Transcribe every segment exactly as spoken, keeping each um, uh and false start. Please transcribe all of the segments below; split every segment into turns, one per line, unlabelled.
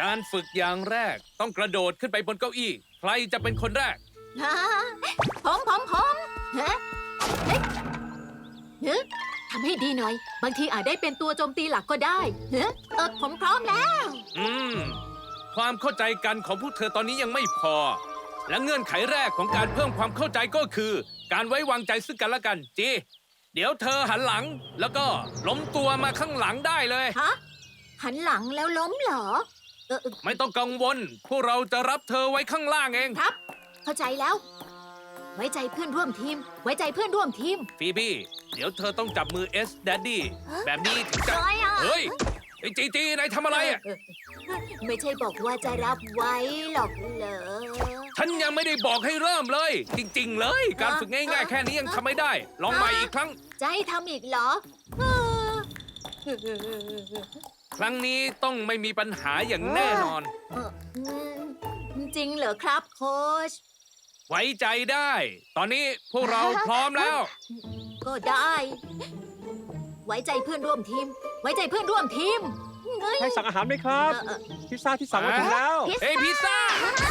การฝึกอย่างแรกต้องกระโดดขึ้นไปบนเก้าอี้ใครจะเป็นคนแรก
ผมผมผมฮะเฮ้ยเฮ้ยทำให้ดีหน่อย บางทีอาจได้เป็นตัวโจมตีหลักก็ได้เฮ้ยเออผมพร้อมแล้ว
อืม ความเข้าใจกันของพวกเธอตอนนี้ยังไม่พอ และเงื่อนไขแรกของการเพิ่มความเข้าใจก็คือ การไว้วางใจซึ่งกันและกันจีเดี๋ยวเธอหันหลัง แล้วก็ล้มตัวมาข้างหลังได้เลย
ฮะ หันหลังแล้วล้มเหรอ เออเออ
ไม่ต้องกังวล พวกเราจะรับเธอไว้ข้างล่างเอง
ครับ เข้าใจแล้ว ไว้ใจเพื่อนร่วมทีม ไว้ใจเพื่อนร่วมทีม
ฟีบี้เดี๋ยวเธอต้องจับมือเอสแดดดี้แบบนี้ถึงจะ
อะไรอ่ะ
เฮ้ยไอ้จีจีนายทำอะไรอ่ะ
เออไม่ใช่บอกว่าจะรับไว้หรอกเหรอ
ฉันยังไม่ได้บอกให้เริ่มเลย จริงๆเลย การฝึกง่ายๆแค่นี้ยังทำไม่ได้ ลองใหม่อีกครั้ง
จะให้ทำอีกเหรอเออ
ครั้งนี้ต้องไม่มีปัญหาอย่างแน่นอน
เอออืมจริงเหรอครับโค้ช
ไว้ใจได้ ตอนนี้พวกเราพร้อมแล้ว
ก็ได้ ไว้ใจเพื่อนร่วมทีม ไว้ใจเพื่อนร่วมทีมเฮ้ย
ใครสั่งอาหารไหมครับ
เออเออ
พิซซ่าที่สั่งมาถึงแล้ว
เอ้ยพิซซ่า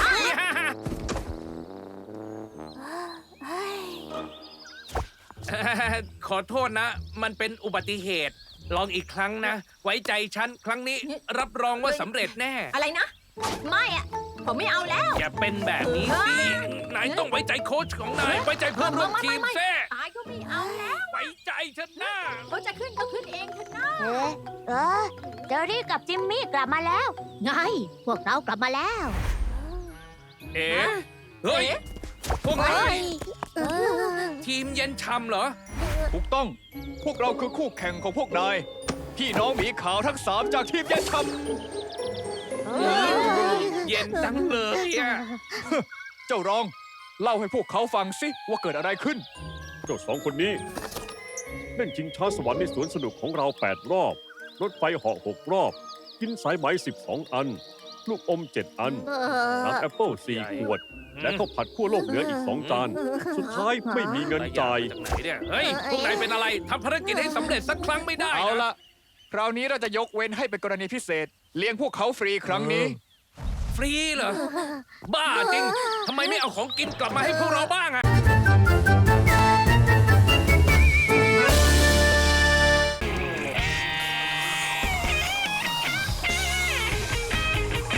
ขอโทษนะ มันเป็นอุบัติเหตุ ลองอีกครั้งนะ ไว้ใจฉัน ครั้งนี้รับรองว่าสำเร็จแน่
อะไรนะ ไม่อะผมไม่เอาแล้ว
อย่าเป็นแบบนี้สินายต้องไว้ใจโค้ชของนาย ไว้ใจเพื่อนร่วมทีม
ไไไ
แท้
ตายก็ไม่เอาแล้ว
ไว้ใจฉันนะ
เขาจะขึ้นก็ขึ้นเองเถอะนะ
เอ๊ะเออเจอรี่กับจิมมี่กลับมาแล้ว ไง พวกเรากลับมาแล้ว
เอ๋เฮ้ย พวก
เฮ้
นาย
ยเออ
ทีมเย็นชำเหรอ
ถูกต้อง พวกเราคือคู่แข่งของพวกนาย พี่น้องหมีขาวทั้งสามจากทีมเย็นช
เย็นจังเลยอ่ะ
ำเจ้ารอง เล่าให้พวกเขาฟังสิว่าเกิดอะไรขึ้น
เจ้าสองคนนี้เล่นชิงช้าสวรรค์ในสวนสนุกของเราแปดรอบ รถไฟเหาะหกรอบ กินสายไหมสิบสองอัน ลูกอมเจ็ดอัน
เออ
น้ำแอปเปิลสี่ขวด และข้าวผัดขั้วโลกเหนืออีกสองจาน สุดท้ายไม่มีเงินจ่าย
จากไหนเนี่ย เฮ้ย พวกนายเป็นอะไร ทำภารกิจให้สำเร็จสักครั้งไม่ได้
เอา
นะ
ละคราวนี้เราจะยกเว้นให้เป็นกรณีพิเศษ เลี้ยงพวกเขาฟรีครั้งนี้
ฟรีเหรอ บ้าจริง ทำไมไม่เอาของกินกลับมาให้พวกเราบ้างอะ